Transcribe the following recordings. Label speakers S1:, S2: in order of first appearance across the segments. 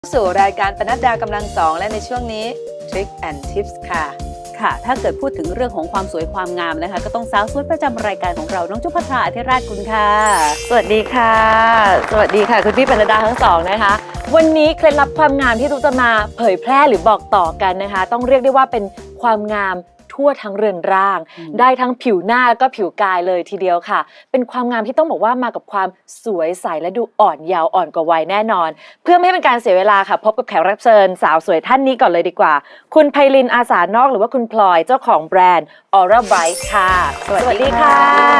S1: สู่รายการปนัดดากำลังสองและในช่วงนี้ Trick and Tips ค่ะ
S2: ถ้าเกิดพูดถึงเรื่องของความสวยความงามนะคะก็ต้องสาวสวยประจำรายการของเราน้องจุ๊บพัทราอธิราชกุลค่ะ
S3: สวัสดีค่ะสวัสดีค่ะคุณพี่ปนัดดาทั้งสองนะคะวันนี้เคล็ดลับความงามที่ตุ๊กจะมาเผยแพร่หรือบอกต่อกันนะคะต้องเรียกได้ว่าเป็นความงามทั่วทั้งเรือนร่างได้ทั้งผิวหน้าแล้วก็ผิวกายเลยทีเดียวค่ะเป็นความงามที่ต้องบอกว่ามากับความสวยใสและดูอ่อนเยาว์อ่อนกว่าวัยแน่นอนเพื่อไม่ให้เป็นการเสียเวลาค่ะพบกับแขกรับเชิญสาวสวยท่านนี้ก่อนเลยดีกว่าคุณไพลินอาสานอกหรือว่าคุณพลอยเจ้าของแบรนด์ Aura Bright ค่ะสวัสดีค่ะ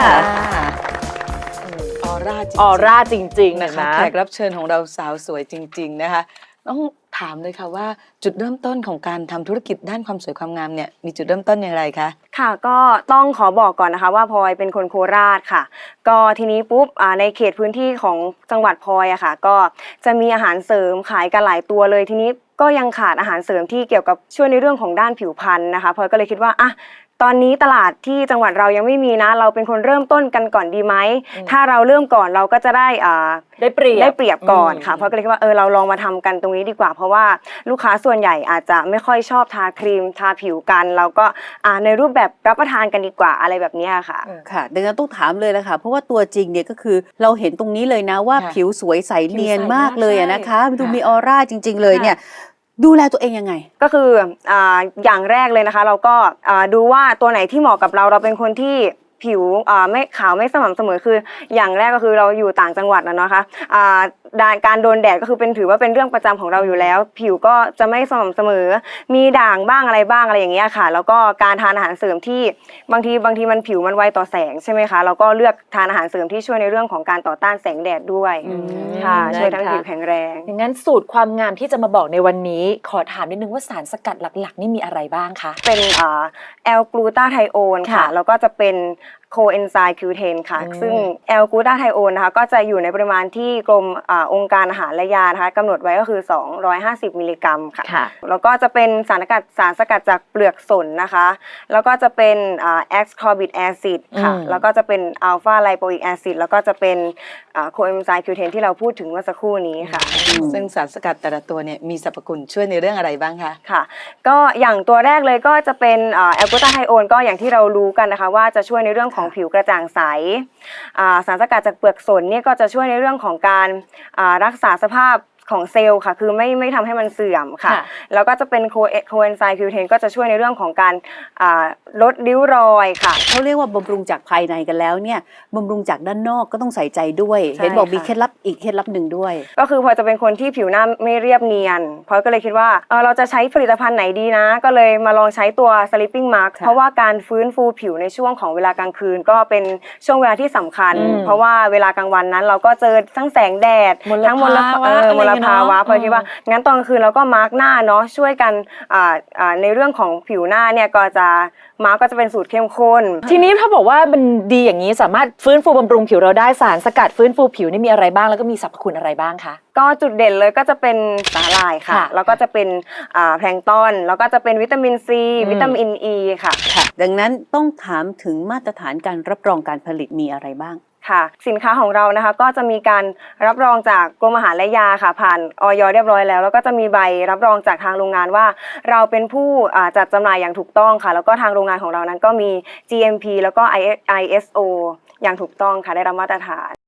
S1: ออร่าจริง
S3: ออร่าจริงๆ
S1: นะคะ แขกรับเชิญของเราสาวสวยจริงๆนะคะต้องถามเลยค่ะว่าจุดเริ่มต้นของการทำธุรกิจด้านความสวยความงามเนี่ยมีจุดเริ่มต้นอย่างไรคะ
S4: ค่ะก็ต้องขอบอกก่อนนะคะว่าพลอยเป็นคนโคราชค่ะก็ทีนี้ปุ๊บในเขตพื้นที่ของจังหวัดพลอยอะค่ะก็จะมีอาหารเสริมขายกันหลายตัวเลยทีนี้ก็ยังขาดอาหารเสริมที่เกี่ยวกับช่วยในเรื่องของด้านผิวพรรณนะคะพลอยก็เลยคิดว่าตอนนี้ตลาดที่จังหวัดเรายังไม่มีนะเราเป็นคนเริ่มต้นกันก่อนดีไหมถ้าเราเริ่มก่อนเราก็จะได้เปรียบก่อนค่ะเพราะก็เลยคิดว่าเราลองมาทำกันตรงนี้ดีกว่าเพราะว่าลูกค้าส่วนใหญ่อาจจะไม่ค่อยชอบทาครีมทาผิวกันเราก็ในรูปแบบรับประทานกันดีกว่าอะไรแบบนี้ค่ะ
S2: ค่ะดังนั้นต้องถามเลยละค่ะเพราะว่าตัวจริงเนี่ยก็คือเราเห็นตรงนี้เลยนะว่าผิวสวยใสเนียนมากเลยนะคะดูมีออร่าจริงๆเลยเนี่ยดูแลตัวเองยังไง
S4: ก็คืออย่างแรกเลยนะคะเราก็ดูว่าตัวไหนที่เหมาะกับเราเป็นคนที่ผิวไม่ขาวไม่สม่ำเสมอคืออย่างแรกก็คือเราอยู่ต่างจังหวัดนะคะการโดนแดดก็คือถือว่าเป็นเรื่องประจำของเราอยู่แล้วผิวก็จะไม่สม่ำเสมอมีด่างบ้างอะไรบ้างอะไรอย่างเงี้ยค่ะแล้วก็การทานอาหารเสริมที่บางทีมันผิวมันไวต่อแสงใช่ไหมคะเราก็เลือกทานอาหารเสริมที่ช่วยในเรื่องของการต่อต้านแสงแดดด้วยค่ะช่วยทั้งผิวแข็งแรง
S3: อย่างนั้นสูตรความงามที่จะมาบอกในวันนี้ขอถามนิดนึงว่าสารสกัดหลักๆนี่มีอะไรบ้างคะ
S4: เป็นแอลกลูตาไทโอนค่ะแล้วก็จะเป็นโคเอนไซม์คิวเทนค่ะซึ่งแอลกลูตาไทโอนนะคะก็จะอยู่ในปริมาณที่กรมองค์การอาหารและยานะคะกำหนดไว้ก็คือ250มิลลิกรัมค่ะแล้วก็จะเป็นสารสกัดจากเปลือกสนนะคะแล้วก็จะเป็นแอสคอร์บิกแอซิดค่ะแล้วก็จะเป็นอัลฟาไลโปอิกแอซิดแล้วก็จะเป็นโคเอนไซม์คิวเทนที่เราพูดถึงเมื่อสักครู่นี้ค่ะ
S1: ซึ่งสารสกัดแต่ละตัวเนี่ยมีสรรพคุณช่วยในเรื่องอะไรบ้างคะ
S4: ค่ะก็อย่างตัวแรกเลยก็จะเป็นแอลกลูตาไทโอนก็อย่างที่เรารู้กันนะคะว่าจะช่วยในเรื่องของผิวกระจ่างใสสารสกัดจากเปลือกสนเนี่ยก็จะช่วยในเรื่องของการรักษาสภาพของเซลล์ค่ะคือไม่ทำให้มันเสื่อมค่ะแล้วก็จะเป็นโคเอนไซม์คิวเทนก็จะช่วยในเรื่องของการลดริ้วรอยค่ะ
S2: เขาเรียกว่าบำรุงจากภายในกันแล้วเนี่ยบำรุงจากด้านนอกก็ต้องใส่ใจด้วยเห็นบอกมีเคล็ดลับอีกเคล็ดลับหนึ่งด้วย
S4: ก็คือพอจะเป็นคนที่ผิวหน้าไม่เรียบเนียนพอก็เลยคิดว่าเราจะใช้ผลิตภัณฑ์ไหนดีนะก็เลยมาลองใช้ตัว Sleeping Mask เพราะว่าการฟื้นฟูผิวในช่วงของเวลากลางคืนก็เป็นช่วงเวลาที่สำคัญเพราะว่าเวลากลางวันนั้นเราก็เจอทั้งแสงแดดทั้งมลภาวะพอคิดว่างั้นตอนกลางคืนเราก็มาร์กหน้าเนาะช่วยกันในเรื่องของผิวหน้าเนี่ยก็จะมาร์กก็จะเป็นสูตรเข้มข้น
S3: ทีนี้ถ้าบอกว่ามันดีอย่างนี้สามารถฟื้นฟูบำรุงผิวเราได้สารสกัดฟื้นฟูผิวนี่มีอะไรบ้างแล้วก็มีสรรพคุณอะไรบ้างคะ
S4: ก็จุดเด่นเลยก็จะเป็นสาหร่ายค่ะแล้วก็จะเป็นแพลงก์ตอนแล้วก็จะเป็นวิตามินซีวิตามินอีค่ะ
S2: ดังนั้นต้องถามถึงมาตรฐานการรับรองการผลิตมีอะไรบ้าง
S4: ค่ะสินค้าของเรานะคะก็จะมีการรับรองจากกรมอาหารและยาค่ะผ่านอย.เรียบร้อยแล้วแล้วก็จะมีใบรับรองจากทางโรงงานว่าเราเป็นผู้จัดจำหน่ายอย่างถูกต้องค่ะแล้วก็ทางโรงงานของเรานั้นก็มี GMP แล้วก็ ISO อย่างถูกต้องค่ะได้รับมาตรฐาน